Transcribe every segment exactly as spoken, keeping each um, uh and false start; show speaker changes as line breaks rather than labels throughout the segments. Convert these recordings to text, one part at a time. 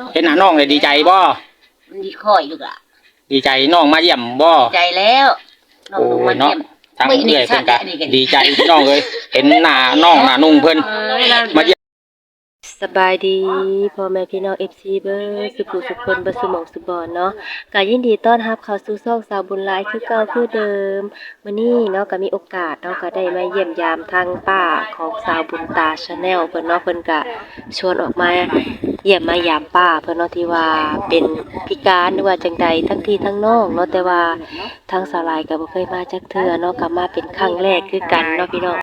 เห็นหน้าน้องเลยดีใจบ่
มันดีค่อยลูกล่ะ
ดีใจน้องมาเยี่ยมบ่
ดีใจแล้วน้องลงมาเยี่ยม
ทางเอื้อยเพิ่นก็ดีใจพี่น้องเลยเห็นหน้าน้องหน้านุ่งเพิ่นมาเยี่ยม
สบายดีพ่อแม่พี่น้อง เอฟ ซี เบิร์สุขุสุขคนบ่สุหมองสุบอนเนาะก็ยินดีต้อนรับเข้าสู่ช่องสาวบุญหลายคือเก่าคือเดิมมื้อนี้เนาะก็มีโอกาสเนาะก็ได้มาเยี่ยมยามทางป้าของสาวบุญตา Channel เพิ่นเนาะเพิ่นก็ชวนออกมาเยี่ยมมายามป้าเพิ่นเนาะที่ว่าเป็นพิการหรือว่าจังใดทั้งพี่ทั้งน้องเนาะแต่ว่าทางสาวหลายก็บ่เคยมาจักเทื่อเนาะก็มาเป็นครั้งแรกคือกันเนาะพี่น้อง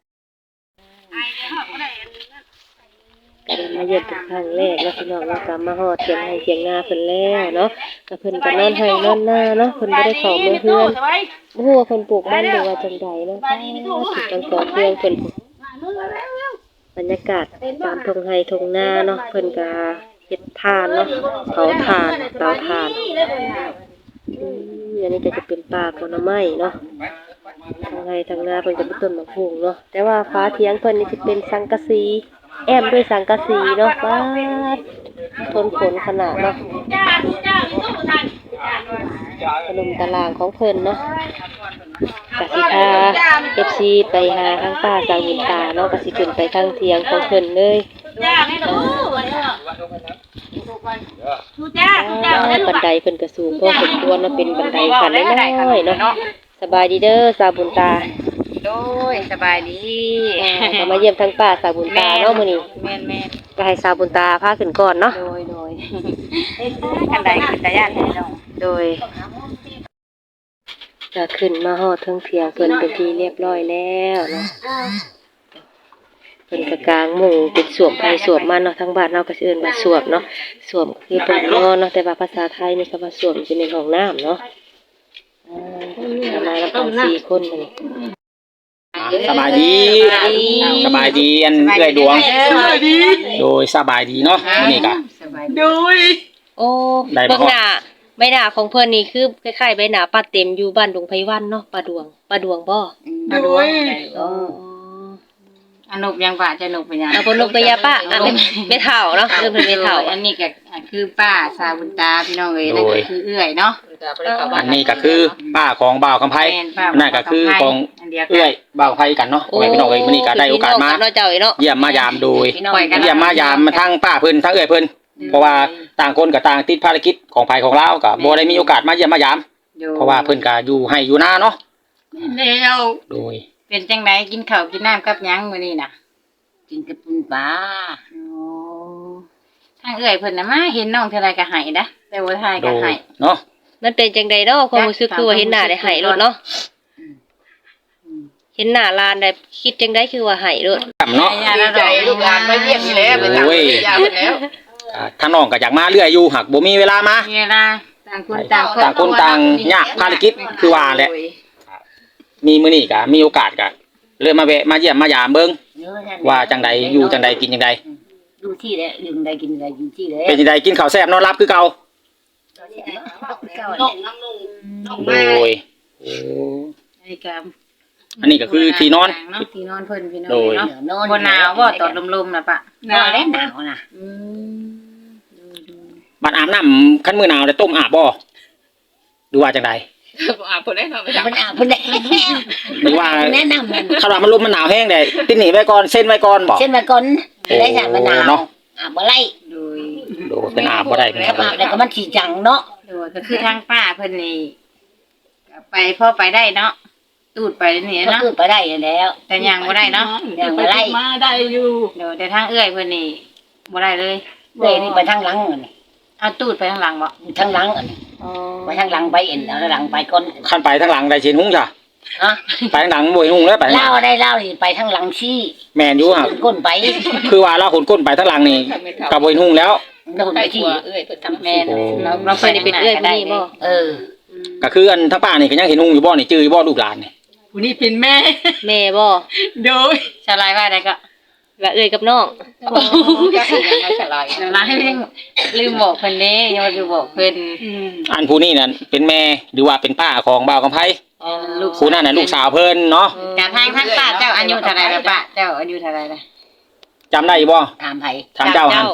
ก็ได้มาเยี่ยมเป็นครั้งแรกเนาะพี่น้องเนาะก็มาฮอดเถียงให้เถียงนาเพิ่นแล้วเนาะก็เพิ่นก็นอนให้นอนหน้าเนาะเพิ่นบ่ได้เข้ามาเฮือนบ่ฮู้ว่าเพิ่นปลูกมันหรือว่าจังใดเนาะสิจังก่อเพื่อนเพิ่นบรรยากาศตามทุ่งไร่ทุ่งนาเนาะเพิ่นก็เฮ็ดทานเนาะเผาถ่านเตาถ่านอืมอันนี้ก็จะเป็นป่าผลไม้เนาะทางไร่ทางนาเพิ่นก็เป็นต้นมะพร้าวเนาะแต่ว่าฟ้าเถียงเพิ่นนี่สิเป็นสังกะสีแอมด้วยสังกะสีเนาะว้าทนฝนขนาดเนาะขนมตารางของเพิ่นเนาะกสิพา เอฟ ซี ไปหาทางป้าสาวหินตาเนาะกสิขึ้นไปทางเถียงของเพิ่นเลยบันไดเพิ่นก็สูงพอสมควรเนาะเป็นบันไดขั้นน้อยๆเนาะสบายดีเด้อสาวบุญตา
โดยสบายดี
ก็มาเยี่ยมทางป้าสาวบุญตาเนาะมื้อนี้
แม่น
ๆก็ให้สาวบุญตาพาขึ้นก่อนเนาะ
โดยโดยคันใดขึ้นตาย่านให้น้อง
โดยก็ขึ้นมาฮอดเทิงเถียงเพิ่นเป็นที่เรียบร้อยแล้วเนาะเพิ่นก็กางมุ้งเป็นสวมไผสวมมันเนาะทางบ้านเราก็สิเอิ้นว่าสวมเนาะสวมคือเพิ่นนอนเนาะแต่ว่าภาษาไทยนี่ก็ว่าสวมสิเป็นห้องน้ำเนาะอ่ามาแล้วกันสี่คนนี่
สบายดีสบายดีอันเอื้อยดวงโดยสบายดีเนาะมื้อนี้ก็
โดยโอ้เบิ่งหน้าใบหน้าของเพิ่นนี่คือคล้ายๆใบหน้าป้าเต็มอยู่บ้านดงไผวันเนาะป้าดวงป้าดวงบ่
ป้าดวงอ๋ออนุบยังป้าจะนุบเป็นหยัง
เอาบ่นุบก็อย่าป้าอันไม่เฒ่าเนาะเริ่มเป็นไม่เฒ่า
อันนี้ก็คือป้าสาวบุญตาพี่น้องเอ้ยนั่นก็คือเอื้อยเนาะ
อันนี้ก็คือป้าของบ่าวคำไผนั่นก็คือของเอื้อยบ่าวคำไผกันเนาะพี่น้องเอ้ยมื้อนี้ก็ได้โอกาสมาเยี่ยมมายามโดยเยี่ยมมายามมาทางป้าเพิ่นทางเอื้อยเพิ่นเพราะว่าต่างคนก็ต่างติดภารกิจของไผของเราก็บ่ได้มีโอกาสมาเยี่ยมมายามเพราะว่าเพิ่นก็อยู่ให้อยู่นาเนาะ
แล้ว
โดย
เป็นจังได๋กินข้าวกินน้ำกับหยังมื้อนี้น่ะ
กินกับปุ้นปลา
อ๋อทางเอื้อยเพิ่นน่ะมาเห็นน้องเท่าไรก็ให้นะแต่บ่ทายก็ให้
เนาะ
มันเป็นจังได๋เนาะความรู้สึกคือว่าเห็นหน้าได้ให้โลดเนาะเห็นหน้าลานได้คิดจังได๋คือว่าให้โลด
เนาะ
ดีใจลูกหลานมาเยี่ยมนี่แหละเป็นจังยาเพิ่นแล้ว
ทางน้องก็อยากมาเรื่อยอยู่หักบ่มีเวลามา
มีเวลาต่างคนต่าง
ต่างคนต่างยากภารกิจคือว่าแหละมีมื้อนี้ก็มีโอกาสก็เลยมาแวะมาเยี่ยมมายามเบิ่งว่าจังใดอยู่จังใดกินจังใด
ดูที่แหละอยู่จังใดกินจังใดอยู่ที่แหละ
เป็นจังใดกินข้าวแซ่บนอนหลับคือเก่าโดยโอ้อันนี้ก็คือที่นอน
ที่นอนเพิ่นพี่น้องเนาะบ่หนาวบ่ตอดลมๆน่ะปะหนาวแล้วหนาวน่ะอืม
บัดอาบน้ำคันมื้อหนาวได้ต้มอาบบ่ดูว่าจังใด
อาบเพิ่นได้เนาะมันอาบเพิ่นได้
หรือว่าแนะนำมันคันว่ามันลมมันหนาวแห้งได้ติดหนีไว้ก่อนเส้นไว้ก่อนบ่
เส้นไว้ก่อนได้จ้ะมันหนาวเนาะอาบบ่ไล่โดย
โดยเป็นอาบบ่ได้
เป็นอาบแล้วก็มันสิจังเนาะโดยก็คือทางป้าเพิ่นนี่ไปพอไปได้เนาะตูดไปนี่เนาะตูดไปได้แล้วแต่ยังบ่ได้เนาะยังบ่ไล่
มาได้อยู่
เดี๋ยวแต่ทางเอื้อยเพิ่นนี่บ่ได้เลย
เอ้ยนี่ไปทางหลังนี่
เอาตูดไปทางหลังบ่
ทางหลังอ๋อไปทางหลังไปเอ็นเอาหลังไปก่อน
คันไปทางหลังได้สิเห็นหุ้งจ้ะ
ฮะ
ไปทางหลังบ่เห็นหุ้งแล้วไป
เล่าได้เล่านี่ไปทางหลังชี้
แม่นอยู่ครับ
ก้นไป
คือว่าเราขนก้นไปทางหลังนี่ก็บ่เห็นหุ้งแล้ว
เราไปชี้เอ้ยเพิ่นทำแม่นเรา
เราเคยได้เป็นเอื้อยผู้นี้บ่
เออ
ก็คืออันทางป้านี่ก็ยังเห็นหุ้งอยู่บ่นี่จื้ออยู่บ่ลูกหลานนี่
ผู้นี้เป็นแม่แม่บ่
โดยสลายว่าได้ก็
ละเอ้ยกับน้อง
ก็สิยังสลายน้ำลายลืมบอกเพิ่นเด้ยังบ่ได้บอกเพิ่น
อันผู้นี้นั่นเป็นแม่หรือว่าเป็นป้าของบ่าวกำไผ
อ๋อลูก
ผู้นั้นน่ะลูกสาวเพิ่นเนาะ
กะทางทางป้าเจ้าอายุเท่าไหร่ล่ะป้าเจ้าอายุเท่าไหร่ล่ะ
จำได้บ่
ถามไผ
ถามเจ้าหั่น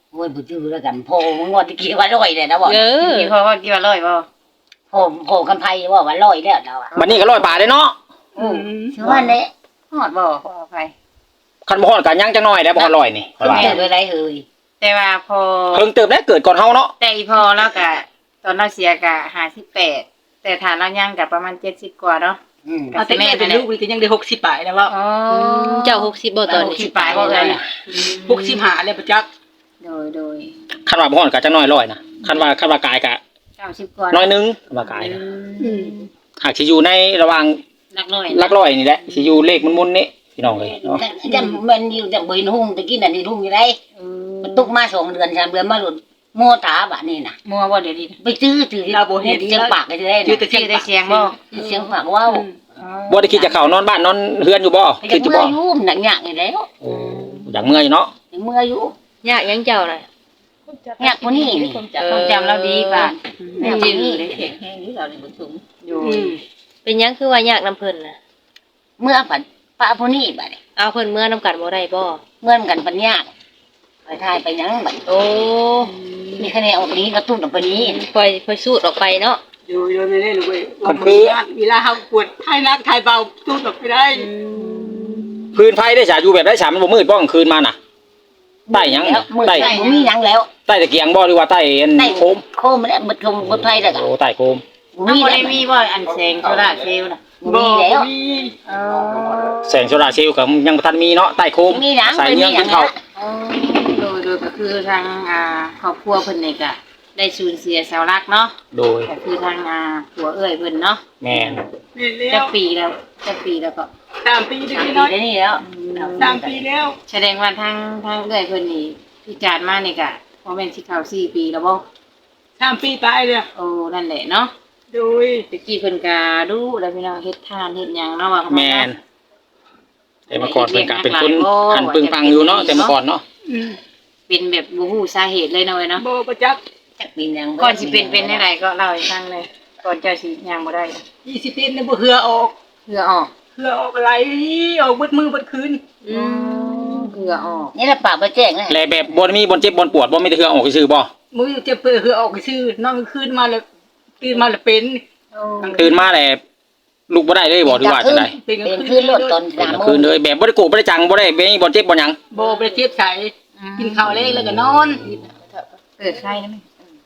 โอ้ยบ่จื้อแล้วกันโพงวดตะกี้ว่าร้อยเลยนะบ่
เออ
กี่พอว่ากี่ว่าร้อยบ่
โพโพกำไพว่าว่าร้อยแล้วเราอ่ะ
บัดนี้ก็ร้อยป่าได้เนาะ
อือชื่อว่าแน่
ฮอดบ่ขออภัย
คันบ่ฮอดก็ยังจังน้อยได้บ่ฮอดร้อยนี่
เพิ่นเกิดไว้ได้เฮ้ย
แต่ว่าพอ
เพิ่งเติบได้เกิดก่อนเฮาเนาะ
แต่อีพอแล้วก็ตอนเราเสียก็ห้าสิบแปดแต่ฐานเรายังก็ประมาณเจ็ดสิบกว่าเนาะ
อืม
เอาแต่แม่เป็นลูกนี่ก็ยังได้หกสิบปลายแล้วว่า
อ๋อ
เจ้าหกสิบบ่ตอน
หกสิ
นี้
บปลายบ่เอ้ย
หกสิบห้าแล้วประจักษ์
โดยโดย
คันว่าบ่ฮอดก็จังน้อยร้อยนะคันว่าคันว่ากายก็
เก้าสิบกว่า
น้อยหนึงคันว่ากายนะ
อืม
หากสิอยู่ในระหว่าง
หลักร้อย
หลักร้อยนี่แหละสิอยู่เลขมุนๆนี่พี่น้องเอ้ยเนาะ
จังมันอยู่จังบ่เห็นหุ่งตะกี้น่ะนี่หุ่งอยู่ได้
เออ
มันตุกมาสองเดือนสามเดือนมาหลุดโมตาบัดนี้น่ะ
มัวบ่เดี๋ยวนี้
ไปซื้อถือเสียงปากก็จะได้
ชื่อ
นะ
แต่เสีย
ชื่
ง
อได้เสียงบ่
เสียงปากว้าว
บ่ได้คิดจะเข้านอนบ้านนอนเฮือนอยู่บ่
อ
คิ
ยา
ด
ก
อยู่
เมื่
บ่
ออยู่หนักหยากอยู่แล้ว
โอ้อยากเมื่อยอยู่เนาะ
อยากเมื่ออยู่
ยากยังเจ้าน่ะ
หยากกว่านี้นี่
ต้องจำเราดีป่ะ
หยากกว่านี้
อยู่
เป็นหยังคือว่ายากนํเพิ่นน่ะ
เมื่อผัดป้าผู้นี้บัดนี้
เอาเพิ่นเมื่อนํกันบ่ได้บ่
เมื่อนกันปัญญากไปทายไปหยังบัด
โอ้
มีคะแนนออกไปนี้กระตุ้นออกไปนี้
ปล่อยปล่อยสูดออกไปเนาะ
อยู่อยู่ไม่ได้ลูกเว้ยเวลาเฮากวดทายนักทายเบาตู้ตกไปได้
พื้นไฟได้ฉาอยู่แบบได้ฉามันบ่มืดบ่กลางคืนมาน่ะใต้หยัง
แล้วมือ
ใต้
ใต้บ่มีหยังแล้ว
ใต้ตะเกียงบ่หรือว่าใต้อัน
ใต้
โคม
โคมแล้วบดคงบดไฟแล้วก็
โอ้ใต้โคม
บ่
น้อง
มี
บ่
แล้
ได้
ว
มีบ่อันแสงโซล่าร์เซลล์น่ะ
บ่มีแล้ว
มี
แสงโซลาร์เซลล์ก็ยังบ่ทันมีเนาะใต้โคม
มีหยัง
สาย
ไม่มี
เนื่อง
หยั
กิ
ง
นข้าว
โดยโดยก็คือทางอ่าครอบครัวเพิ่นนี่ก็ได้สูญเสียเสาหลักเนาะ
โดย
ก็คือทางอ่าผัวเอ้ยเพิ่นเนาะ
แม่น
นี่แล้
จะ
ว
ปีแล้วจะปีแล้วก็
สามปีเด็ก
สาม
น้อย
ปีได้นี่แล้ว
สามปีแล้ว
แสดงว่าทางทางเอ้ยเพิ่นนี่พิจารณ์มานี่ก็บ่แม่นสิเข้าสี่ปีแล้วบ่
สามปีตายเลย
โอ้นั่นแหละเนาะ
โดย
ตะกี้เพิ่นก็ดูแล้วพี่น้องเฮ็ดทานเฮ็ดหยังเนาะว่าเขา
แม่นแต่เมื่อก่อนเพิ่นก็เป็นคนหันปึงปังอยู่เนาะแต่เมื่อก่อนเนาะ
เป็นแบบบ่ฮู้สาเหตุเลยเนาะเว้ยเนาะ
โบประจักษ์
จักปีหยัง
ก่อนสิเป็นเป็นได้ไรก็เล่าให้ฟังเลยก่อนเจ้าสิย่างบ่ได้
ยี่สิบปีนี่บ่เหือออก
เพื่อออก
เหือออกไหลออกเบิดมือเบิดคืน
อืมเพื่อออก
นี่แหละปากบ่แจ้งนะ
แลแบบบ่มีบ่เจ็บบ่ปวดบ่มีแต่เฮือออกซื่อๆบ่
มือเจ็บเปื่อยเหือออกซื่อนอนคืนมาแล้วตื่นมาแล้วเป็น
ตื่นมาแล้วลุกบ่ได้เลยบ่หรือว่าจังได๋
เป็น
เป็นคืนรถตอน
เป็น
สาม
กลาง
โม
คื
ง
นเลยแบบบ่ได้โกะบ่ได้จังบ่ได้บ่มีบ่เจ็บบ่หยัง
โบประเทียบใสกินข้าวเล็กแล้วก็นอน
เปิดไข่นะแม่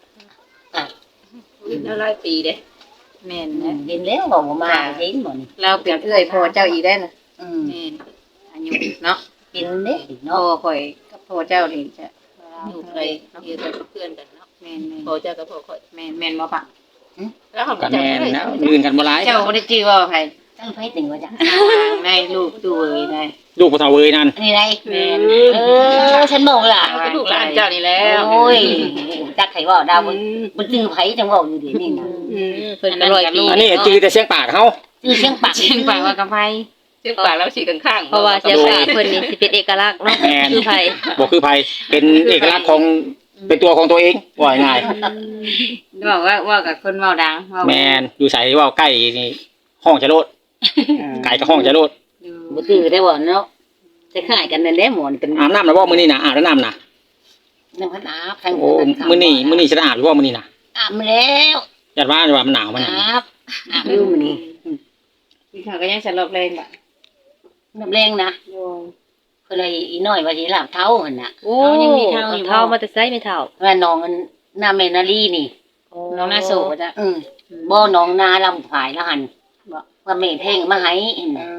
แล้วหลายปีเด้
แม่นนะ
เห็นแล้วบอกว่ามาเห็นหมดนี่
เราเป็นเอื้อยพ่อเจ้าอีกได้น่ะ
อืม
แม่นอายุเนาะ
เป็นเด้
พ่อ
เนาะ
ข่อยกับพ่อเจ้านี่จะ
อยู่ไกลอยู่กับเพื่อนกันเนาะ
แม่นแม่น
พอเจ้ากับพ่อค่อย
แม่นแม่นบ่ปะ
แล้วเขา
ก็
จะ
แม่น
ไม่
นะลื่นกันบ่หลาย
เจ้าบ่ได้จื้อว่าไผ
ตั้งไฟติ่งว่าจัง
ในลูกตัวเอ้ยได้
ลูกบ่เฒ่าเว้ยนั่น
นี่ไง
แม่น
เออฉันบอกล่ะ
ลูกหลานเจ้านี่แล้ว
โอ้ยจักไผว่าดาวมันมันจื้อไผจังว่าอยู่ดินี่นะ
เพิ่นก็ร้อยปี
อันนี้จือแต่เสียงปากเฮา
จื้อเสียงปาก
เชียงปากว่ากำไผ
เสียงปากแล้วฉีกข้างๆ
เพราะว่าเสียงปากเพิ่นนี่สิเป็นเอกลักษณ์เนาะคือไผ
บ่คือไผเป็นเอกลักษณ์ของเป็นตัวของตัวเองว่าง่าย
บอกว่าว่ากับคนเว้าดังเว้า
แม่นอยู่ไสเว้าใกล้นี่ห้องจะโลดไก่ก็ห้องจะโลด
บ่จื้อได้บ่เนาะจะคล้ายกันนั่นแหละหมอนกัน
อาบน้ำแล้วบ่มื้อนี้น่ะอาบแล้วน้ำน่ะ
น้ำพันอาบทั้ง
โอ้มื้อนี้มื้อนี้สิได้อาบอยู่บ่มื้อนี้น่ะ
อาบมาแล้ว
ญาติว่าว่ามันหนาวมันน่ะ
อาบอาบอยู่มื้อนี้
พี่เขาก็ยังสลบเลยบ่ะ
น้ำแรงนะเพิ่นเลยอีน้อยว่าสิลาบเท้าหั่นน่ะ
โอ้ยังมีเท่าอยู่เท่ามาแต่ไสไม่เท่า
ว่าน้องมันนาแม่นาลีนี่
น้องน่าโศกจ้ะ
อืมบ่น้องนาลำผายแล้วหั่นบ่ว่าแม่เพ่งมาให้เห็นน่ะ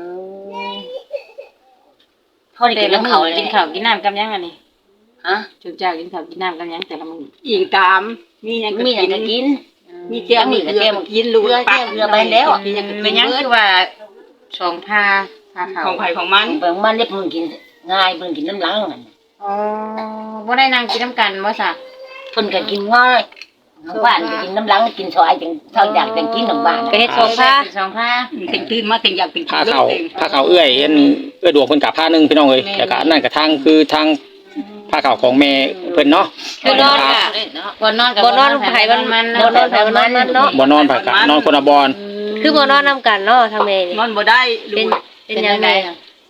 พอได้
แต่
กิน
ละ
น้ำ
มื้
เขา
อ
เลย
กินข้าวกินน้ำกับยังอันนี้
ฮะ
จุเจ้ากินข้าวกินน้ำกับยังแต่ละมื้อ
อีกตาม มีหยังก็
มีหยัง
กิน
ก็กิน
มีแก้วมีเกลือกินลูก
เกลือ
ปาก
เกลือไปแล้ว
มีหยังก็
เป็น
กิน
ยัง
เบิด
คือว่าสองผ้าผ้าขาว
ของไผของมัน
เบิ่งมันได้เพิ่นกินง่ายเพิ่นกินน้ำหลังหั่น
อ๋อบ่ได้นั่งกินน้ำกันบ่ซะ
เพิ่นก็กินง่ายทางบ้านก็กินน้ำหลังกินซอยจังเท่าอยากจังกินของบ้าน
ก็เฮ็ดสองผ้า
สองผ้า
ถึงตื่นมาถึงอยากเป็น
ผ้าขาวผ้าขาวเอื้อยอันเอื้อยดวงเพิ่นกับผ้าหนึงพี่น้องเอ้ยแล้วก็อันนั้นก็ทางคือทางผ้าขาวของแม่เพิ่นเนาะ
คือนอนกะ
บ่นอนกับ
บ่นอนไผมัน
มัน
บ่นอนไผมันมันเนาะ
บ่นอนผักกะนอนคนละบอน
คือบ่นอนนํกันเนาะทางแม่นี่
นอนบ่ได้ลู
เป็น
ก
เป็นยังไง
อ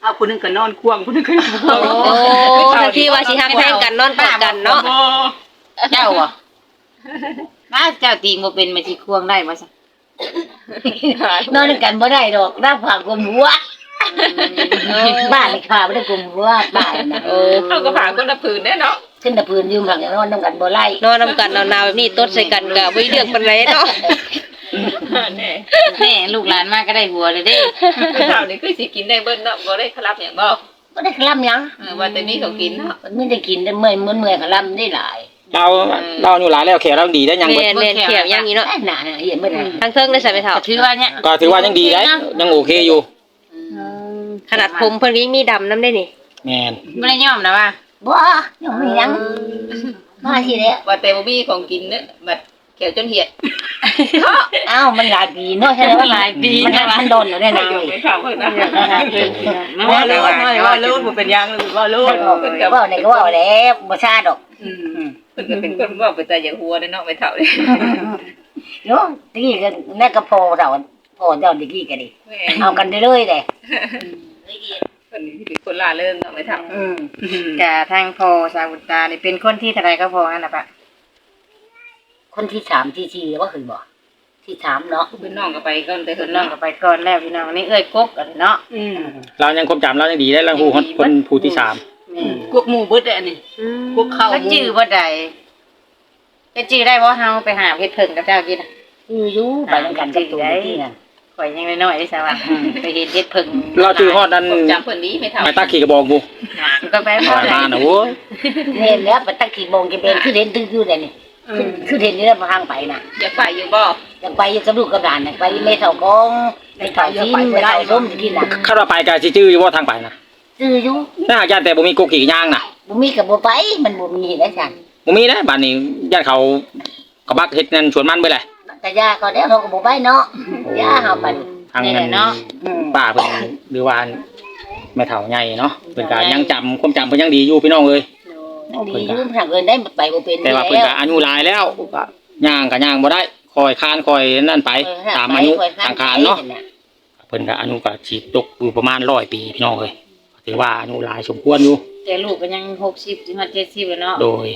เอาคนนึงก็นอนควงคนนึงก็นอนควง
โอ้ทั้งที่ว่าสิฮักแพงกันนอนกอดกันเนาะ
เจ้าอ่ะน้าเจ้าตีงบ่เป็นมาสิควงได้บ่ซะ
นอนกันบ่ได้ดอกรับผ่ากลมหัวบ้านนี่ค่ะบ่ได้กลมหัวบ้านน่ะ
โอ้
เขาก็ผ่าคนละผืนแน่เนาะ
ขึ้นตะพื้นยืมหลังนอนนำกันบ่ไล่
นอนนำกันหนาวๆแบบนี้ตดใส่กันก็บ่เลือกปานใดเนาะ
แน่
แม่ลูกหลานมาก็ได้หัวเลยเด้
เท่านี้คือสิกินได้เบิ้ลเนาะบ่ได้คลับอย่างบ่
บ่ได้คลำหยัง
เออว่าแต่นี้เขากินเนาะ
มันไม่ได้กินได้เมื่อยเมื่อยคลำได้หลาย
เราเราอยู่หลายแล้วแขกเราดีได้ยังเบิด
แม่นแม่นเขียวอย่างนี้เนาะ
หนาๆเห็นบ่ได้
ทางเทิงได้ใส่ไปเฒ่า
ถือว่าเนี่ย
ก็ถือว่ายังดีได้ยังโอเคอยู่
ขนาดผมเพิ่นก็ยังมีดำนํได้นี่
แม่น
บ่ได้ยอมนะว่า
บ่ยังมีหยังมาทีแล้ว
ว่าแต่บ่มีของกินเนาะบัดแขวจนเหียด
อ้าวมันหลายปีเนาะใช่ว่าหลายปีมันมันโดนอยู่ได้นาน
ไม่เข้าเพิ่นนะ
ว่าเลิศว่าเลิศบ่เป็นยังเลยว่าเลิศ
เพิ่นก็ว่าได้ก็ว่าแล้วบ่ซาดอก
อืม
เพิ่นก็เป็นคนเว้าไปแต่อย่างหัวเนาะไม่เท่าเลย
เนาะตะกี้ก็แม่ก็พอเราพอเจ้าตะกี้ก็ดิ
แม่
เอากันได้เลยเด้
เพิ่นสิเป็นคนล่าเริงเนาะไม่เท่า
อืม
กะทางพ่อสาวุตานี่เป็นคนที่เท่าไหร่ก็พอนั่นน่ะปะ
คนที่สามที่สี่ว่าเคยบ่ที่สามเนาะ
เป็นน้องก็ไปก่อนแต่
เพิ่
เพิ่
น
น
น้อ
น้อง ง
ก็ไปก่อนแล้วพี่น้องนี่เอ้ยกกกันเนาะ
อืม
เรายังความจำเรายังดีได้เราฮู้คนคนผู้ที่สาม
พวกหมู่เบิดอันนี้พวกเข้า
ก็จื้อบ่ได้ก็จื้อได้บ่เฮาไปหาเฮ็ดเพิ่งกับเจ้ากินน่ะ
คืออยู่ไปนำกันกับตัวตะกี้นั่น
ข่อยยังน้อยๆได้ซะว่าไปเฮ็ดเฮ็ดเพิ่ง
เราจื้อฮอดนั้น
จำเพิ่นนี้ไม่เท่า
ไปตาขี่กระบอกกู
ก็ไปบ่
ไป
ได้
มาน่ะโอ้ย
เห็นแล้วไปตั้งกี่โมงจะเป็นคือเห็นตื้อๆได้นี่คือคือเห็นนี่แล้วทางไปน่ะ
อยากไปอยู่บ่
อยากไปอยู่กับลูกกับหลานน่ะไปไม่เท่ากองไม่เท่าชิ้นไม่เท่าส้มตะกี้น่ะ
คาดว่าไปก็สิจื้ออยู่บ่ทางไปนะ
ซื้ออยู่
ถ้าหากย่านแต่บ่มีกกขี่ย่างน่ะ
บ่มีกับบ่ไปมันบ่มีได้ซั่น
บ่มีนะบ้านนี้ย่านเขากระบักเฮ็ดนั่นสวนมันเบิดแหละ
แต่ยาก็แล้วเราก็บ่ไปเนาะยาเฮาไป
ทาง
นี่แห
นั้
ละ
น
เนาะ
อืม
ป้าเพิ่นหรือว่าแม่เฒ่าใหญ่เนาะเพิ่นก็ยังจำความจำเพิ่นยังดีอยู่พี่น้องเอ้ย
นั่นดีอยู่ทางเอิ้นได้ไปบ่เป็น
แต่ว่าเพิ่นก็อายุหลายแล้วก็ย่างก็ย่างบ่ได้คอยคานคอยนั่นไปตามอายุสังขารเนาะเพิ่นก็อายุก็สิตกอยู่ประมาณร้อยปีพี่น้องเอ้ยถือว่าอายุหลายสมควรอยู่
แต่ลูกก็ยังหกสิบถึงเจ็ดสิบแล้วเนาะ
โดย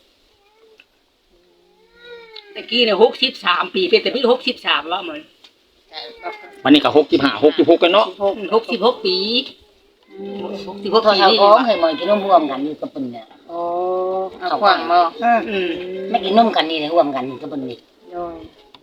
ตะกี้เนี่ยหกสิบสามปีเป็นแต่พี่หกสิบสามแล้วมัน
วันนี้ก็หกสิบห้า หกสิบหกกันเนาะ
หกสิบหกปีหกสิบหก
พอ
ปี
เฮา
นี่
ก็ให้มันกินนมร่วมกันอยู่กับเพิ่นน่ะ
โอ้เอาขวางบ่
อืม
ไม่กินนมกันนี่ร่วมกันกับเพิ่นนี่
โดย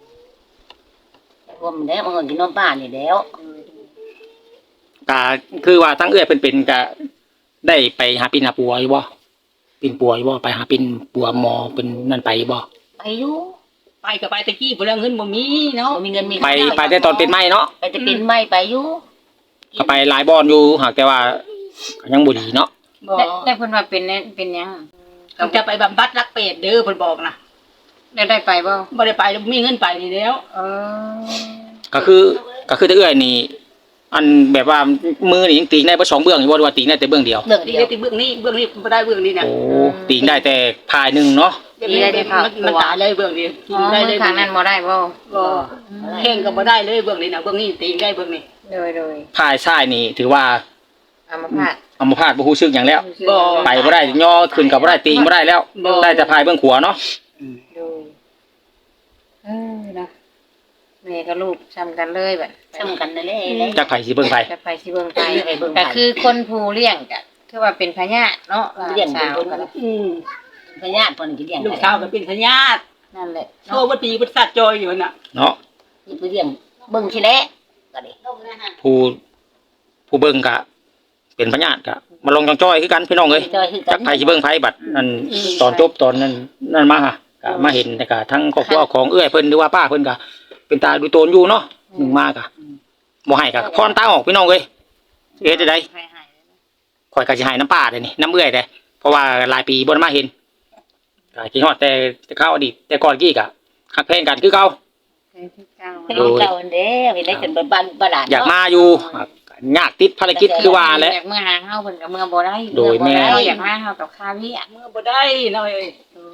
รวมแล้วมันก็กินนมป้านี่แล้ว
ก็คือว่าทั้งเอื้อยเพิ่นเป็นก็ได้ไปหาปินหาปัวอยู่บ่ปินปัวอยู่บ่ไปหาปินปัวหมอเป็นนั่นไปบ่
ไปอยู่
ไปก็ไปตะกี้บ่ได้เงินบ่มีเนาะ
บ่มีเงินมี
ไปไปแต่ตอนเป็นไม้เนาะ
ไปแต่เป็นไม่ไปอยู่
ก็ไปหลายบอนอยู่หากแต่ว่าก็ยังบ่ดีเนาะ
บ่
ได้ได้เพิ่นว่าเป็นเนี่ยเป็นหยัง
ต้องจะไปบำบัดรักเป็ดเด้อเพิ่นบอกนะ
ได้ได้ไปบ่
บ่ได้ไปแล้วบ่มีเงินไปนี่แล้ว
เออ
ก็คือก็คือแต่เอื้อยนี่ อันแบบว่ามือนี่ยังตีงได้บ่สองเบื้องอยู่บ่หรือว่าตีงได้แต่เบื้องเดียว
เรื่อง
ดี
เดียว
ที่เบื้องนี้เบื้องนี้บ่ได้เบื้องนี้นะ
โอ้ตีงได้แต่พายหนึงเนาะ
มันมันตายเลยเบื้องนี้
อ๋อ
ได้
มื
เล
อย ข้างนั้นบ่ได้บ่
ก็แข่งก็บ่ได้เลยเบื้องนี้นะเบื้องนี้ตีได้เบื้องนี้
โดยโดย
พายซ้ายนี่ ถือว่า
อัมพาต
อัมพาตบ่ฮู้สึกหยังแล้ว
บ่
ไปบ่ได้ย่อขึ้นก็บ่ได้ตีงบ่ได้แล้ว
บ่
ได้แต่พายเบื้องขวาเนาะ
โดยเออนะแม่กับลูกซ้ำกันเลยแบบ
ซ้ำกันนั่นแหละ
จักไผสิเบิ่งไผ
จะไปสิเบิ่งไปก็คือคนผู้เลี้ยงก็คือว่าเป็นพญาเนาะหลาน
เลี้ยง
สาว
เป็น
กัน
อืม
พญาติเพิ่นก็เลี้ยง
ลูกสาวก็เป็นพญาติ
นั่นแหละ
โทรบ่ตีบ่สัตว์จอยอยู่น่ะ
เนาะ
นี่ไปเลี้ยงเบิ่งสิแหละก็ดิ
ผู้ผู้เบิ่งก็เป็นพญาติก็มาลงจังจ้อยคือกันพี่น้องเอ้ย
จอยคือกั
จั
น
กไผสิเบิ่งไผบัดนั่นตอนจบตอนนั้นนั่นมาฮะก็มาเห็นแต่ก็ทั้งครอบครัวของเอื้อยเพิ่นหรือว่าป้าเพิ่นก็เป็นตาดูโตนอยู่เนาะหนึ่งมากะบ่ให้ก็พรตาออกพี่น้องเอ้ยเฮ็ดจังได๋
ใครหาย
ข่อยก็สิให้น้ำป้าเด้นี่น้ำเอื้อยเด้เพราะว่าหลายปีบ่ได้มาเห็นก็คิดฮอดแต่แต่ข้าวอดีตแต่ก่อนกี้ก็ฮักแพงกันคือเก่า
ใครที่เจ้า
ลูกเจ้าเด้เห็นได้จนบ้านบ้านหลาน
อยากมาอยู่ยากติดภารกิจคือว่าแหละ
อยากเมื่อหาเฮาเพิ่นก็เมื่อบ่ได้
โดยแม่
เมื่อบ่ได้อยากมาเฮากับข้าวเวีย
เมื่อบ่ได้เนาะเอ้ย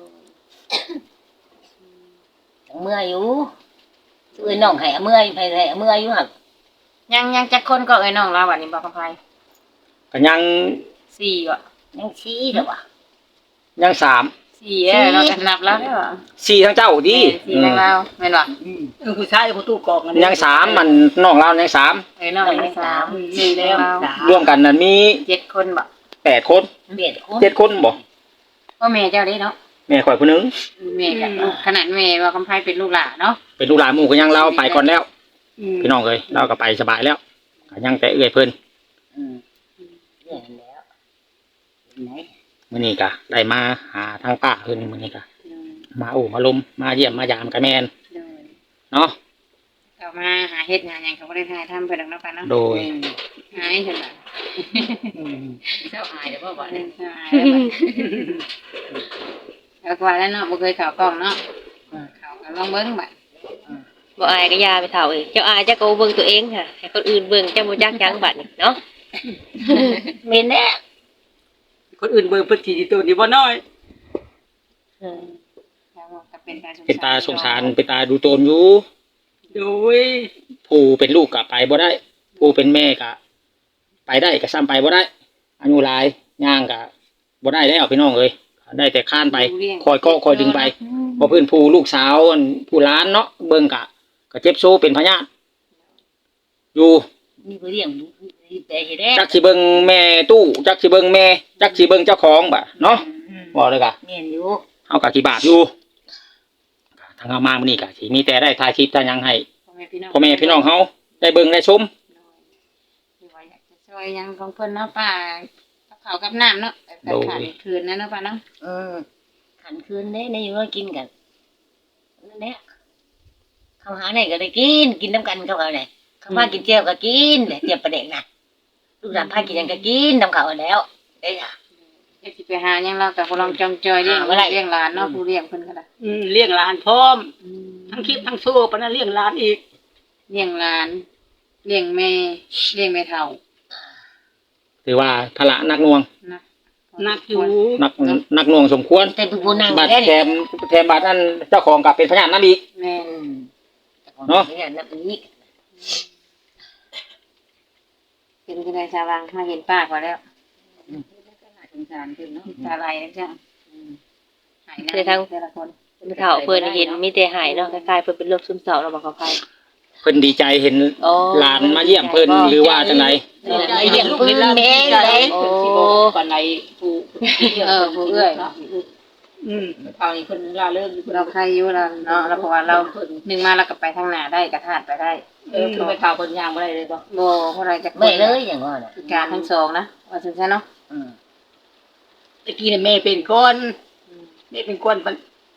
เมื่ออยู่ซื้อน้องให้เมื่อไปให้เมื่ออยู่หั่น
ยังยังจักคนก็เอ้ยน้องเราบัดนี้บ่กับไผ
ก็ยัง
สี่อ่ะ
ยังชี้เด้อว่ะ
ยังสาม
สี่เออเราก็นับแล้วได้ป่ะ
สี่ทั้งเจ้าดิ
สี่ทางเราแม่นป่ะ
อืมเออผู้ชายผู้ตู้กอก
ยังสามมันน้องเรายังสาม
เออน้องได้สามสี่แล้ว
รวมกันนั้นมี
เจ็ดคนบ่
แปดคน
เบียดคน
เจ็ดคนบ่
พ่อแม่เจ้าได้เนาะ
แม่ข่อยผู้หนึง
แม่กับลูกขนาดแม่ว่าคำไพ่เป็นลูกหลานเนาะ
เป็นลูกหลานหมู่ก็ยังเราไปก่อนแล้ว
อืม
พี่น้องเอ้ยเราก็ไปสบายแล้วก็ยังแต่เอื้อยเพิ่น
อืมเนี่ยแล้วไหน
มื้อนี้ก็ได้มาหาทางป้าเพิ่นมื้อนี้ก็มาโอ้มาลมมาเยี่ยมมายามกับแม่นเนาะ
เอามาหาเฮ็ดงานหยังเขาบ่ได้ทายทำเพิ่นดอกเนาะป่ะเนาะ
โดย
หายเพิ่นน่ะ
เจ้าอายเด้อบ่บ่
เออหายแล้วก็ว่าแล้วเนาะบ่เคยเข้ากล้องเนาะเข้าก็ลองเบิ่งบัด
บ่อายก็ยาไปเฒ่าเอ้ยเจ้าอายเจ้าก็เบิ่งตัวเองค่ะให้คนอื่นเบิ่งเจ้าบ่จักหยังบัดนี่เนาะ
เมนแน่
คนอื่นเบิ่งเพิ่นสิตัวนี้บ่น้อย
อืม
แล้วก็เป็นตาสงสาร
เป็นตาสงสารเป็นตาดูโตนอยู่
โดย
ผู้เป็นลูกก็ไปบ่ได้ ผู้เป็นแม่ก็ไปได้ก็ซ้ำไปบ่ได้อายุหลายย่างก็บ่ได้แล้วพี่น้องเอ้ยได้แต่ข้านไปคอยก็คอยดึงไปเพราะเพิ่นผู้ลูกสาวอันผู้หลานเนาะเบิ่งก็ก็เจ็บโซเป็นพยาธิอยู่
มีผู้เลี้ยงมีแต่เฮ็ดแน่
จักสิเบิ่งแม่ตู้จักสิเบิ่งแม่จักสิเบิ่งเจ้าของบ่ะเนาะบอกเลยกะ
แม่นอยู่
เฮาก็กี่บาทอยู่ทางเฮามามื้อนี้ก็สิมีแต่ได้ถ่ายคลิปถ่ายหยังให้
พ่อแม่พี่น้อง
พ่อแม่พี่น้องเฮาได้เบิ่งได้ชม
ที่ว่าอยากจะช่วยหยังของเพิ่นเนาะป้ากับข้าวกับน้ำเนาะแต่ขาดคืนนะเนาะป้าเนาะ
เออขันคืนเด้ในอยู่ว่ากินกันนั่นแหละเขาหาไหนก็ได้กินกินน้ำกันกับเขาไหนเขาพากินเจียวก็กินแหละเจียวปลาแดกน่ะลูกหลานพากินหยังก็กินน้ำเขาแล้วได้จ้ะ
เดี๋ยวสิไปหาหยังเราก็บ่ลองจองจอยเลี้ยง
หาบ่ได้
เลี้ยงหลานเนาะผู้เลี้ยงเพิ่นก็ได้
อืมเลี้ยงหลานพร้อมทั้งคลิปทั้งโซ่ปะนั้นเลี้ยงหลานอีก
เลี้ยงหลานเลี้ยงแม่เลี้ยงแม่เฒ่า
ถือว่าภาระหนักหน่วง
นะ
นักอยู่
หนักหนักหน่วงสมควร
แต่ผู้นั่ง
บัตร
ได้
แถมแถมบัตรนั้นเจ้าของก็เป็นพยานนำอีก
แม่
อืม
เนาะ
เนี่ยนับนี้
เป็นจังได๋ชาววังมาเห็นป้าก็แล้ว
สงสารเพิ่นเนาะ
ตาไหลแล้วจ้ะหายนะแต่ละคน
ผู้เฒ่าเพิ่นเห็นมีแต่หายเนาะคล้ายๆเพิ่นเป็นโรคซึมเศร้าแล้วบ่เข้าไป
เพิ่นดีใจเห็น
โอ้
หลานมาเยี่ยมเพิ่นหรือว่าจังได
ไอ้เลี้ยงลูกเลี้ยงหลาน
แม่
ใจ
เลย
เพิ่นสิบ่ปานใดผู้
เออผู้เอื้อย
เนาะ
อืม
เท่านี้เพิ่นล่าเริงอยู่เพิ่น
เราใครอยู่แล้วเนาะแล้วเพราะว่าเราหนึ่งมาเราก็ไปทางหน้าได้กระทาดไปได้
เออคือไปข่าวเพิ่นย่างบ่ได้เลยบ่
โบเพราะอะไรจะ
ไม่เลยอย่างว่าน่ะ
พิการทั้งสองนะว่าถึงใช่เนาะ
อืม
ตะกี้เนี่ยแม่เป็นคนแม่เป็นคนปะ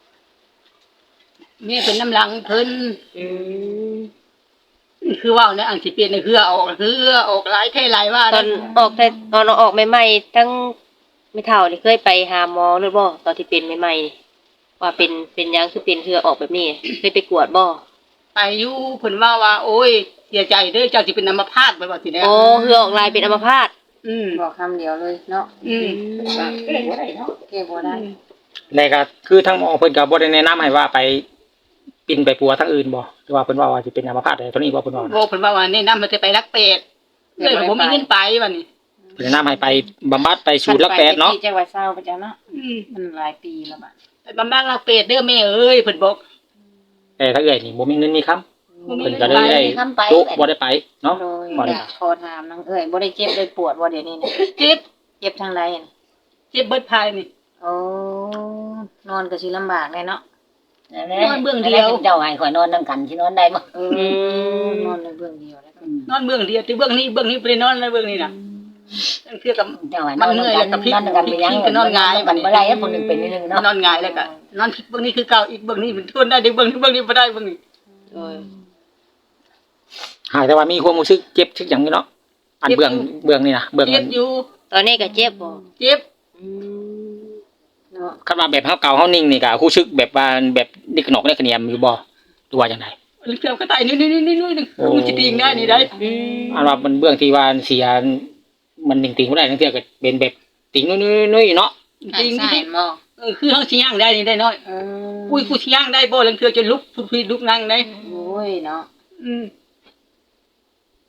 แม่เป็นน้ำหลังเพิ่น
อืม
คือว่าเนี่ยอังสิเปลี่ยนเนี่ยคือออกคือออกหลายเท่หลายว่า
ตอนออกแต่ตอนออกใหม่ๆทั้งไม่เฒ่านี่เคยไปหาหมอหรือบ่ตอนที่เป็นใหม่ๆนี่ว่าเป็นเป็นหยังคือเป็นเทื่อออกแบบนี้เคยไปกวดบ่
ไปอยู่เพิ่นว่าว่า โอ้ยเสียใจเด้อเจ้าสิเป็นอัมพาตไปว่าสิแล้ว
โอ้เหือออกลายเป็นอัมพาต
อืม
บอกคำเดียวเลยเนาะ
อืม
เก่งบ่ได้เนาะ
เก็บบ่ได้
แล้วก็คือทั้งหมอเพิ่นก็บ่ได้แนะนำให้ว่าไปปินไปปัวทั้งอื่นบ่หรือว่าเพิ่นว่าว่าสิเป็นอัมพาตได้ตัวนี้บ่เพิ่นว่า
โบเพิ่นว่าว่าแนะนำมันจะไปรักเป็ดเลยผมมีเงินไปวันนี้
แนะนำให้ไปบำบัดไปสูตรลักแปดเนาะ
ที่จังหวัดเศร้าไปจ้ะเนาะ
อืม
มันหลายปีแล้วบัด
ไปบำบัดรักเป็ดเด้อแม่เอ้ยเพิ่นบอก
แต่ถ้าเอ้อยนี่บ่มีเงินมีคำ
บ่มี
เพิ่น
เงิ
ก็
น
เลย
ไป
ได้
ทำไป
จุบ่ได้ไปเนาะ
โดย
บ่ได้
อยากขอถามน้องเอ้ยบ่ได้เจ็บได้ปวดบ่เดี๋ยวนี้นะ
เจ็บ
เจ็บทางใดน่ะ
เจ็บเบิดภายนี่
โอ้นอนก็สิลำบากแน่เนาะ
นอนเบื้องเดียวเจ้าให้ข่อยนอนนำกันสินอนได้บ่
เออนอนในเบื้องเดียวแล้วก็
นอนเบื้องเดียวแต่เบื้องนี้เบื้องนี้บ่ได้นอนเลยเบื้องนี้น่ะนั่นคือกับ
เจ้าให้น
มั
อน
นเหนื่อย
นำ
แล้วกับพลิก
นอนกันไปยัง
พลิกก็นอนหงาย
มันบ่ได้แล้วคนหนึงเป็นนิดนึงเนาะ
นอนหงายแล้วก็นอนเบื้องนี้คือเก่าอีกเบื้องนี้มันทนได้เดี๋ยวเบื้องนี้เบื้องนี้บ่ได้เบื้องนี้
โดย
หากแต่ว่ามีความรู้สึกเจ็บชึกหยังอยู่เนาะอันเบื้องเบื้องนี่นะเบื้อง
เจ็
มั
บ
น
อยู่
ตอนนี้ก็เจ็บบ่
เจ็บ
อืม
เนาะ
คันว่าแบบเฮาเก่าเฮานิ่งนี่ก็รู้สึกแบบว่าแบบนี่ขนกได้ขะเนียมอยู่บ่หรือว่าจังได
เกือบก็ตายนี่นี่นี่นี่นี่มันสิติงได้นี่ได้
อืม
อันว่ามันเบื้องที่ว่าเสียมันนิ่งติงบ่ได้ทั้งเทื่อก็เป็นแบบติงน้อยๆๆเนาะ
หา
ติ
ย
ง
สายหมอ
เออคือเฮาสิย่างได้นี่ได้น้อย
เออ
อุ้ยกูสิย่างได้บ่ลังเทื่อจะลุกทุกทีลุกนั่งได้
โอ้ยเนาะ
อืมใน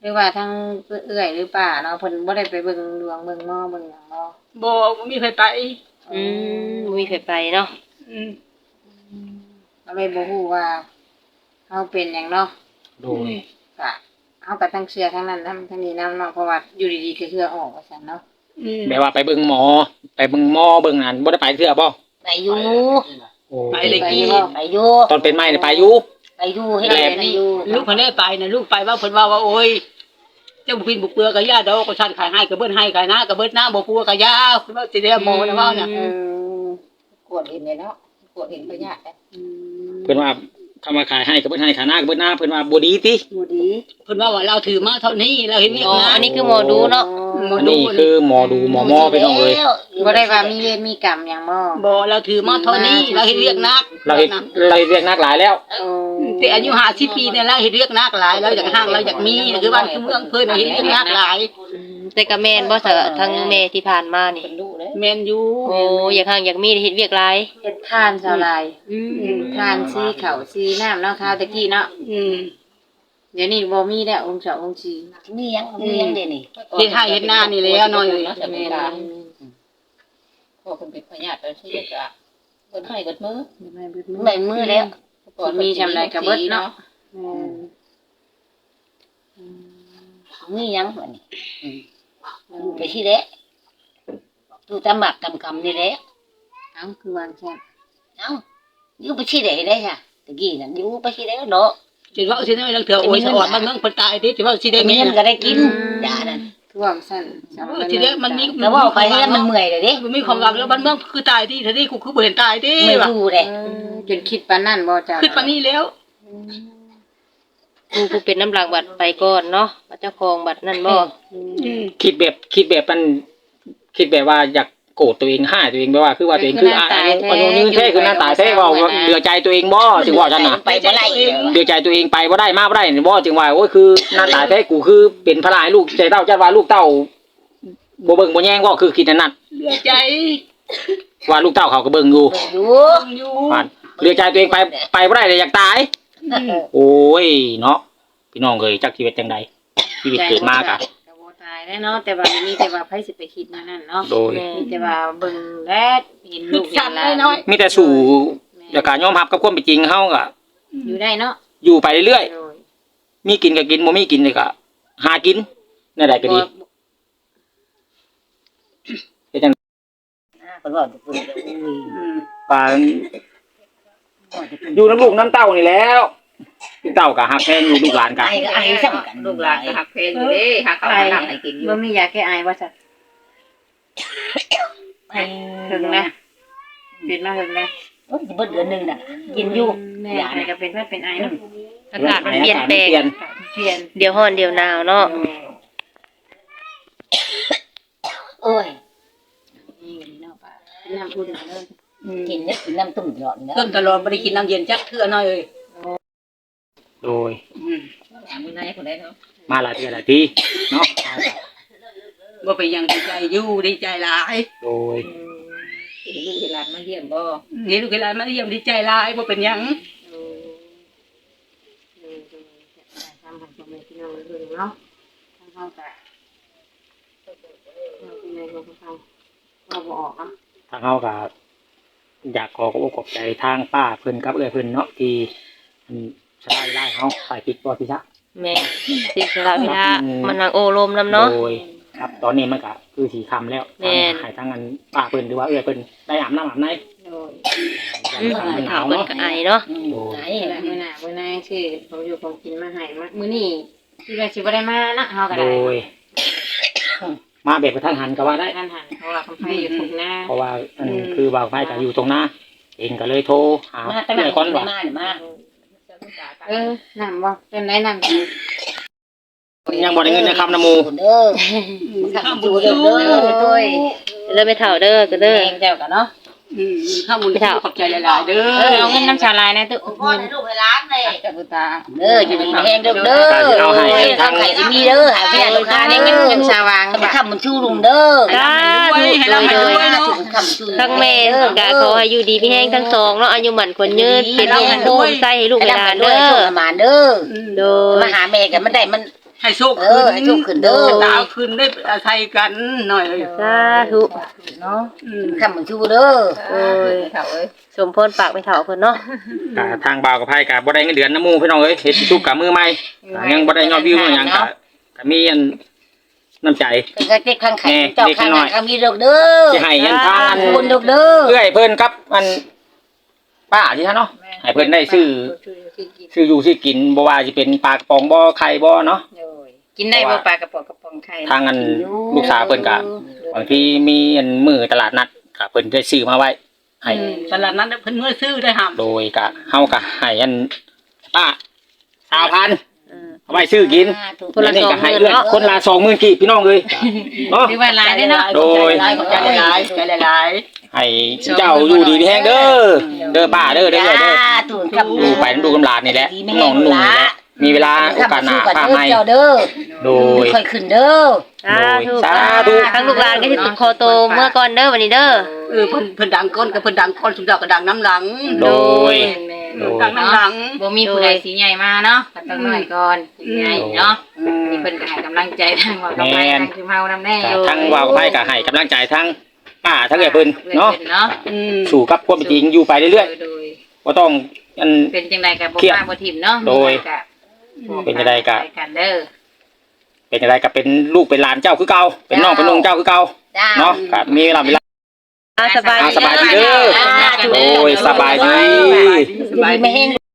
รือว่าทั้งเอื้อยหรือป่าเนาะเพิ่นบ่ได้ไปเบิ่งดวงเบิ่งหม้อเบิ่งหยังเนาะ
บ่บ่มีใครไป
อืมบ่มีไผไปเนาะ
อืม
ก็เลยบ่ฮู้ว่าเฮาเป็นหยังเนาะ
โดย
ก็เฮาก็ทั้งเชื่อทั้งนั้นทั้งทั้งนี้นำเนาะเพราะว่าอยู่ดีๆก็เชื่อออกว่าซั่นเนาะ
อืม
แม่ว่าไปเบิ่งหมอ ไปเบิ่งหมอเบิ่งนั่นบ่ได้ไปเทื่อบ่
ไปอยู่
โอ้
ไปเลยกี้
ไปอยู่
ตอนเป็นไม้นี่ไปอยู่
ไปอยู่ให้ได้ไปอยู่
ลูกเพิ่นได้ไปนะลูกไปว่าเพิ่นว่าว่าโอ้ยเจ้าบุพินบุกเปลือกก็ย่าดอกก็ชันขายให้ก็เบิ้นให้ขายหน้าก็เบิ้นหน้าบ่ปัวก็ย่าเพิ่นว่าสิได้โมนะว่าน่ะ
เออกวดเห็นเลยเนาะกวดเห็นพญาติอืม
เพิ่นว่าคำว่าขายให้ก็เบิ่นให้ขายหน้าก็เบิ่นหน้าเพิ่นว่าบ่ดีติ
บ่ดี
เพิ่นว่าว่าเราถือมาเท่านี้เราเห็นนี่
อ๋อ
นะ
อันนี้คือหมอดูเนาะ
หมอ
อัน
ดู
นี้คือหมอดูหมอหมอพี่น้องเอ้ย
บ่ได้ว่ามีเวรมีกรรมหยังบ่
บ่เราถือมาเท่านี้เราเห็นเรียกนัก
เราเฮ็ดเราเฮ็ดเรียกนักหลายแล้ว
โอ้
แต่อายุห้าสิบปีเนี่ยเราเห็นเรียกนักหลายเราอยากห้างเราอยากมีคือบ้านคือเมืองเพิ่นเห็นเรียกนักหลาย
อืมแต่ก็แม่นบ่ซะทั้งแม่ที่ผ่านมานี่
แม่นอยู่
โอ้อยากห่างอยากมีเฮ็ดเวียกหลาย
เฮ็ดทานชาวลายทานซีข้าวซีน้ำเนาะข้าวตะกี้เนาะ
อืม
เดี๋ยวนี้บ่มีแล้วองค์เจ้าองค์ชี
มียังมียังเด้นี่
เฮ็ดให้เฮ็ดหน้านี่แล้วน้อยเลย
แม่น
พ่อเพิ่นเป็นพญาติเพิ่นสิจะเพิ่นให้เบิดมือ
ไม่เบิดมือ
ใบมือแล้ว
มีจำได้กับเบิดเนาะ
มียังบัดนี้อยู่ไปที่แล้วอยู่ตามหมักกำกำนี่แหละ
เอ้าคือวางแค่
เอ้าอยู่ไปที่ไหนได้ค่ะตะกี้นั่นอยู่ไปที่แล้วเนาะ
สิว่าสิได้ลังเถื่อโอ้ยสะออดบ้านเมืองเพิ่นตายติสิว่าสิได้
มี
มี
เงินก็ได้กินยานั่น
ท่วมสั้น
สิได้มันมี
แล้วว่าไปแล้วมันเมื่อยเลยเด้
มันมีความหวังแล้วบ้านเมืองคือตายที่ทีนี้กูคือบ่เห็นตายติ
ไม่
ว่า
รู้เลย
จนคิดปานนั้นบ่จ้า
คิดปานนี้แล้ว
ผู้ผู้เป็นน้ำหลักบัตรไปก่อนเนาะว่าเจ้าของบัตรนั่นบ่
อืม
คิดแบบคิดแบบมันคิดแบบว่าอยากโกรธตัวเองห้าตัวเองแบบว่าคือว่าตัวเองคืออายุอายุยืนแท้คือหน้าตายแท้ว่าเหลือใจตัวเองบ่จึงว่าฉันน่ะ
ไปบ่ไล่
เหลือใจตัวเองไปบ่ได้มาบ่ได้บ่จึงว่าโอ้ยคือหน้าตายแท้กูคือเป็นพระลายลูกใจเต้าจัดว่าลูกเต้าบ่เบิ่งบ่แย่งบ่คือคิดนั่น
เหลือใจ
ว่าลูกเต้าเขาก็เบิ่งอยู่
อยู่
อยู่
ว่าเหลือใจตัวเองไปไปบ่ได้เลยอยากตาย โอ้ยเนาะพี่น้องเอ้ยจักชีวิตจังไดชีวิตเกิดมากะ
ก็บ่ตายแล้วเนาะแต่ว่ามีแต่ว่าไผสิไปคิดนั่นนั่นเนาะ
โดย
มีแต่ว่าเบิ่งแลเห็น
คื
ลู
อก
เห็
ชั
น
ด
หลาน
น้อย
มีแต่สู่แล้วก็ยอมรับกับความเป็นจริงเฮาก็
อยู่ได้เนาะ
อยู่ไปเรื่อย
โดย
ๆมีกินก็กินบ่มีกินนี่ก็หากินนั่นได้ก็ดีเฮ็ดจัง
เพิ่นว่าเพิ่นอุ้ย
อืม
ปานอยู่น้ำลูกน้ำเต้านี่แล้วลูกเต้าก็ฮักแพงอยู่ลูกหลานก็
ไอ้ก็ไอ้ซ้ํกัน
ลูกหลานก็หักเพลงอยู่เด้หักข้าวหาน้ำให้กินอยู่
บ่มียาแก้ไอว่าซั่น
ไป
ถึงนะเป็นมาถึงนะ
โอ้ยเบิดเดือนนึงน่ะกินอยู่
แม่ใครก็เป็นว่าเป็นไอเนาะ
อากาศมันเปลี่ยนแปลง
เปลี่ยน
เปลี่ยน
เดี๋ยวร้อนเดี๋ยวหนาวเนาะ
โอ้ย
นี่เนาะป้าน้ำอุ่นเลย
กินเนี่ยกินน้ำตุ่มหลอดเนาะ
ต้นตลอดบ่ได้กินน้ำเย็นจักเทื่อน้อยเอ้ย
โดย
อืม
มื้อไหนคนใดเนาะ
มาหลายเทื่อหลายทีเนาะ
บ่เป็นหยังดีใจอยู่ดีใจหลาย
โดย
ลูกหลานมาเยี่ยมบ่
เห็นลูกหลานมาเยี่ยมดีใจหลายบ่เป็นหยัง
ทำให้พ่อแม่พี่น้องเบิ่งเนาะทางเฮาก็เราเป็นไงของเขาเราบ่ออกเนาะ
ทางเฮาก็อยากขอขอบอกขอบใจทางป้าเพิ่นกับเอื้อยเพิ่นเนาะที่อืมสลายได้เฮาไปปิดบ่พี่ซะ
แม่สิสละเวลามันนั่งโอ้ลมนํเนาะ
โดยครับตอนนี้มันก็คือสีคำแล้ว
แม่น
ทางให้ทางอันป้าเพิ่นหรือว่าเอื้อยเพิ่นได้อาบน้ำอาบใน
โดย
อืม
มันห
ถาน
าว
เพิ่น
เนาะ
ก็ไอเนาะ
โดย
ไอ้
นี่แหละมื้อหน้ามื้อหน้าชื่อเขาอยู่ของกินมาให้มามื้อนี้ที่ว่าสิบ่ได้มานะเฮาก็
โด
ได้
ย มาแบบกระทันหันก็ว่าได้
ท่านหันเพราะว่าคำไผอยู่ตรงหน้า
เพราะว่าอันคือบ่าวไฟก็อยู่ตรงหน้า เองก็เลยโทรหา
มาแต่มา
เอื้อยก่อนว่า
มามา
เออน้ำบ่เป็นไรน้ำกิน
ยังบ่ได้เงินนะครับน้ำหมู
เด้อข้ามบุญเด้อเด้อ
ด้วย
เริ่มไปเฒ่าเด้อก็เด้อ
แม่เจ้ากันเนาะ
อืมข้าวบุญขอบใจหลายๆเด้
เออ
อ
เอาเงินน้ำชาลายนะตุ๊
พ่อให้ลูกให้หลานเลย
กับบุตา
เด้ออยู่ดีแห้งเด้อเด้อทำไข่สิมีเด้อหาเวียลูกค้า
อัน
เด้
นี้
อ
เงินเงินชาวาง
มาค้ำมันชูลุงเด้อ
สาธุ
ให้เรามาด้วยเนาะ
ทั้งแม่ก็ขอให้อยู่ดีมีแห้งทั้งสองเนาะอายุหมันคนยืนเป็นโรคโคมใส่ให้ลูกให้หลานเด้อ
มาเด้อ
โดย
มาหาแม่กันมันได้มัน
ให้โชค
เอ
ขึ้
อน ให้โชคขึ้นเด้อ
ดาวขึ้นได้อาศัยกันหน่อย
สาธุ
เนาะ
อืม
คำมันชูเด้อ
โอ้ย
เฒ่าเอ้ย
สมพรปากไม่เฒ่าเพิ่นเนาะ
ก็ทางบ่าวกับไผก็บ่ได้เงินเดือนน้ำหมู่พี่น้องเอ้ยเฮ็ดทุกกับมือใหม่ก็ยังบ่ได้ยอดวิวหยังก็ก็มีอันน้ำใจ
เป็นกระเจ็กข้างไข่
แน่
เจ้า
เด็ก
ข้าง
น้
ห
อ
น้าย ก็มีดอกเด้อ
สิให้ยันทางอัน
คุณดอกเด้อ
เอื้อยเพิ่นครับอันป้าที่ท่านเนาะให้เพิ่นได้ซื้อซื้ออยู่ซื้อกินบ่ว่าสิเป็นปลากระป๋องบ่ไข่บ่เนาะ
กินได้บ่ปลากระป๋องกระป๋องไข่
ทางอันลูกสาวเพิ่นก็บางทีมีอันมื้อตลาดนัดก็เพิ่นได้ซื้อมาไว้ให้
ตลาดนั้นเพิ่นเมื่อซื้อได้ห้าม
โดยก็เฮาก็ให้อันป้าสาวพัน
เออ
เอาไว้ซื้อกิน
คนละ
อัก็ให้
สองหมื่น
เอื้อย
เนาะ
คนละสองหมื่นกีบพี่น้องเอ้ยเนาะ
หรือว่าหลายได้เนาะ
โดย
ขอบใจหลายๆขอบใจหลาย
ให้เจ้าอยู่ดีมีแฮงเด้อเด้อป้าเด้อเด้อเด้อเด้อ
ตูนกับ
ดูไปดูกำลาดนี่แหละน้องนุ่งนี่แหละมีเวลาโอกาสหน้าป้าให้
เจ้าเด้อ
โดย
ค่อยขึ้นเด้อ
สาธุ
สาธุ
ทั้งลูกหลานก็สิติดคอโตเมื่อก่อนเด้อวันนี้เด้อ
ๆเออเพิ่นเพิ่นดังก้นกับเพิ่นดังก้นสุดยอดก็ดังน้ำหลัง
โดย โดย
ดังน้ำหลัง
บ่มีผู้ใดสีใหญ่มาเนาะก็ต้องน้อยก่อนสีใหญ่เนาะนี่เพิ่นก็ให้กำลังใจทางว่ากับไปทางคือเฮานำแน่
ก็ทั้งว่าวกับไผก็ให้กำลังใจทั้งป้าทั้งเอ้อยเพิ่นเนาะ
เนาะ
อืม
สู่กับความเป็นจริงอยู่ไปเรื่อย
โดย
ๆบ่ต้องอัน
เป็นจังได๋ก็บ่
เครียด
ป้าบ่ทิ่มเนาะ
โดยเป็นจังใดก็
ไปกันเด้อ
เป็นอะไรก็เป็นลูกเป็นหลานเจ้าคือเก่าเป็นน้องเป็นลุงเจ้าคือเก่า
จ้า
เนาะก็มีเวลาเวลา
อ่าสบาย
อ่า
ดี
สบายดีเด้อ
จ้า
โอ้ยสบายดี
สบาย
ดีไม่แห้ง